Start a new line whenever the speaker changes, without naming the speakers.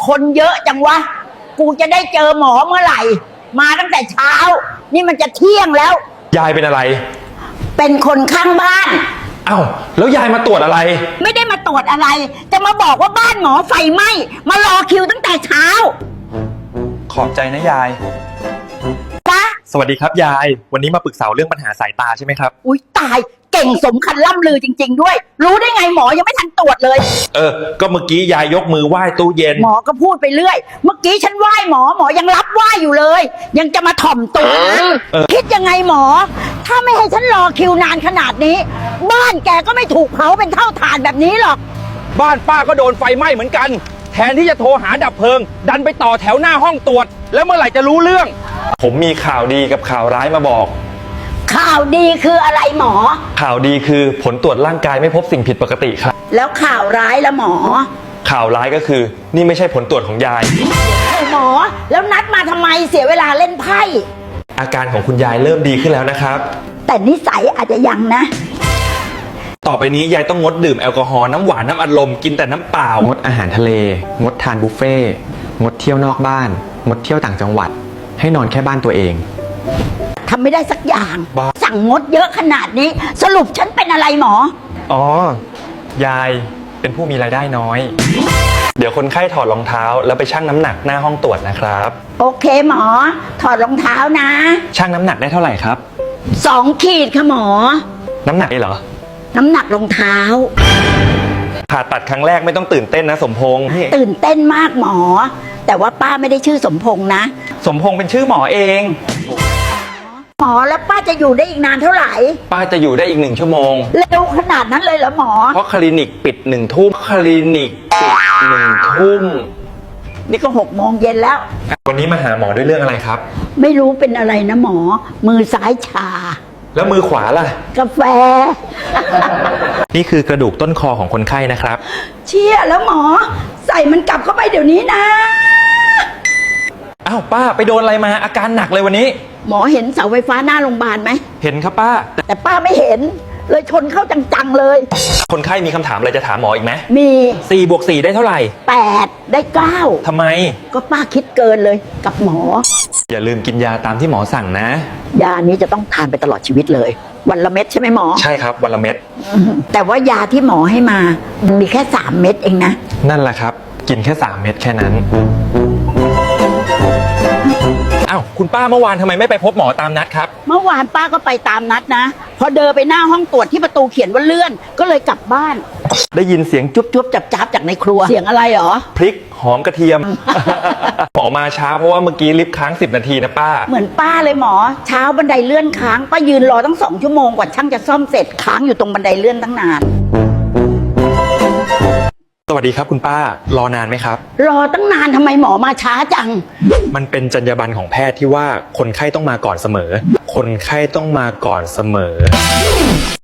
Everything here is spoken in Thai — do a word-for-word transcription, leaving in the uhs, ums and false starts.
คนเยอะจังวะกูจะได้เจอหมอเมื่อไหร่ มาตั้งแต่เช้านี่มันจะเที่ยงแล้ว
ยายเป็นอะไร
เป็นคนข้างบ้าน
อ้าวแล้วยายมาตรวจอะไร
ไม่ได้มาตรวจอะไรจะมาบอกว่าบ้านหมอไฟไหม้มารอคิวตั้งแต่เช้า
ขอบใจนะยาย
จ้ะ
สวัสดีครับยายวันนี้มาปรึกษาเรื่องปัญหาสายตาใช่ไหมครับ
อุ๊ยตายเก่งสมคัญล่ำลือจริงๆด้วยรู้ได้ไงหมอยังไม่ทันตรวจเลย
เออก็เมื่อกี้ยายยกมือไหว้ตู้เย็น
หมอก็พูดไปเรื่อยเมื่อกี้ฉันไหว้หมอหมอยังรับไหว้อยู่เลยยังจะมาถ่อมตัวคิดยังไงหมอถ้าไม่ให้ฉันรอคิวนานขนาดนี้บ้านแกก็ไม่ถูกเผาเป็นเท่าฐานแบบนี้หรอก
บ้านป้าก็โดนไฟไหม้เหมือนกันแทนที่จะโทรหาดับเพลิงดันไปต่อแถวหน้าห้องตรวจแล้วเมื่อไหร่จะรู้เรื่อง
ผมมีข่าวดีกับข่าวร้ายมาบอก
ข่าวดีคืออะไรหมอ
ข่าวดีคือผลตรวจร่างกายไม่พบสิ่งผิดปกติครับ
แล้วข่าวร้ายละหมอ
ข่าวร้ายก็คือนี่ไม่ใช่ผลตรวจของยาย
หมอแล้วนัดมาทำไมเสียเวลาเล่นไพ่
อาการของคุณยายเริ่มดีขึ้นแล้วนะครับ
แต่นิสัยอาจจะยังนะ
ต่อไปนี้ยายต้องงดดื่มแอลกอฮอล์น้ำหวานน้ำอัดลมกินแต่น้ำเปล่าง
ดอาหารทะเลงดทานบุฟเฟ่งดเที่ยวนอกบ้านงดเที่ยวต่างจังหวัดให้นอนแค่บ้านตัวเอง
ทำไม่ได้สักอย่างสั่งงดเยอะขนาดนี้สรุปฉันเป็นอะไรหมอ
อ๋อยายเป็นผู้มีรายได้น้อยเดี๋ยวคนไข้ถอดรองเท้าแล้วไปชั่งน้ำหนักหน้าห้องตรวจนะครับ
โอเคหมอถอดรองเท้านะ
ชั่งน้ำหนักได้เท่าไหร่ครับ
สองขีดค่ะหมอ
น้ำหนักนี่เหรอ
น้ำหนักรองเท้า
ผ่าตัดครั้งแรกไม่ต้องตื่นเต้นนะสมพงษ์
ตื่นเต้นมากหมอแต่ว่าป้าไม่ได้ชื่อสมพงษ์นะ
สมพงษ์เป็นชื่อหมอเอง
หมอแล้วป้าจะอยู่ได้อีกนานเท่าไหร่
ป้าจะอยู่ได้อีกหนึ่งชั่วโมง
เร็วขนาดนั้นเลยเหรอหมอ
เพราะคลินิกปิดหนึ่งทุ่มคลินิกปิดหนึ่งทุ่ม
นี่ก็หกโมงเย็นแล้ว
วันนี้มาหาหมอด้วยเรื่องอะไรครับ
ไม่รู้เป็นอะไรนะหมอมือซ้ายชา
แล้วมือขวาล่ะ
กาแฟ
นี่คือกระดูกต้นคอของคนไข้นะครับ
เชี่ยแล้วหมอใส่มันกลับเข้าไปเดี๋ยวนี้นะ
อ้าวป้าไปโดนอะไรมาอาการหนักเลยวันนี้
หมอเห็นเสาไฟฟ้าหน้าโรงพยาบาลไหม
เห็นครับป้า
แต่ป้าไม่เห็นเลยชนเข้าจังๆเลย
คนไข้มีคำถามอะไรจะถามหมออีกไหม
มี
สี่บวกสี่ได้เท่าไหร่
แปดได้เก้า
ทำไม
ก็ป้าคิดเกินเลยกับหมอ
อย่าลืมกินยาตามที่หมอสั่งนะ
ยานี้จะต้องทานไปตลอดชีวิตเลยวันละเม็ดใช่ไหมหมอ
ใช่ครับวันละเม็ด
แต่ว่ายาที่หมอให้มามันมีแค่สามเม็ดเองนะ
นั่นแหละครับกินแค่สามเม็ดแค่นั้นอ้าวคุณป้าเมื่อวานทำไมไม่ไปพบหมอตามนัดครับ
เมื่อวานป้าก็ไปตามนัดนะพอเดินไปหน้าห้องตรวจที่ประตูเขียนว่าเลื่อนก็เลยกลับบ้าน
ได้ยินเสียงจุ๊บจุ๊บจับจับจากในครัว
เสียงอะไรหรอ
พริกหอมกระเทียม หมอมาช้าเพราะว่าเมื่อกี้ลิฟต์ค้างสิบนาทีนะป้า
เหมือนป้าเลยหมอเช้าบันไดเลื่อนค้างป้ายืนรอตั้งสองชั่วโมงกว่าช่างจะซ่อมเสร็จค้างอยู่ตรงบันไดเลื่อนตั้งนาน
สวัสดีครับคุณป้ารอนานไหมครับ
รอตั้งนานทำไมหมอมาช้าจัง
มันเป็นจรรยาบรรณของแพทย์ที่ว่าคนไข้ต้องมาก่อนเสมอคนไข้ต้องมาก่อนเสมอ